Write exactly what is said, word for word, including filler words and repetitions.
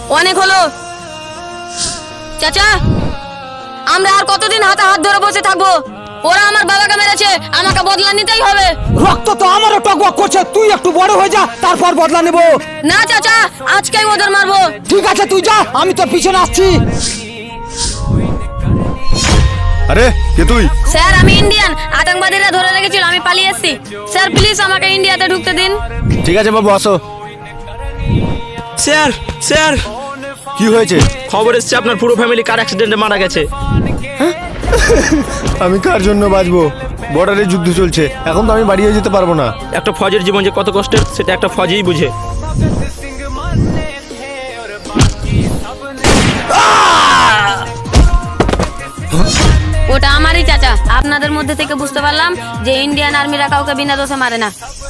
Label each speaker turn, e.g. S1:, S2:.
S1: অনেক হলো। চাচা, আমরা আর কতদিন হাতে হাত ধরে বসে থাকবো? ওরা আমার বাবাকে মেরেছে, আমাকে বদলা নিতেই হবে।
S2: রক্ত তো আমারও টকবক করছে, তুই একটু বড় হয়ে যা, তারপর বদলা নেব।
S1: না চাচা, আজকেই ওদের মারবো।
S2: ঠিক আছে তুই যা, আমি তোর পিছনে আসছি।
S3: আরে কে তুই?
S1: স্যার আমি ইন্ডিয়ান, আতঙ্কবাদীরা ধরে রেখেছিল, আমি পালিয়ে এসেছি। স্যার প্লিজ আমাকে ইন্ডিয়াতে ঢুকতে দিন।
S3: ঠিক আছে বাবু, আসো।
S4: স্যার স্যার
S3: কি হয়েছে?
S4: খবর এসছে আপনার পুরো ফ্যামিলি কার অ্যাক্সিডেন্টে মারা গেছে।
S3: আমি কার জন্য বাঁচবো? বর্ডারে যুদ্ধ চলছে, এখন তো আমি বাড়িয়ে যেতে পারবো না।
S4: একটা ফজের জীবন যে কত কষ্টের সেটা একটা ফজই বুঝে।
S1: ওটা আমারই চাচা। আপনাদের মধ্যে থেকে বুঝতে পারলাম যে ইন্ডিয়ান আর্মিরা কাউকে বিনা দোষে মারে না।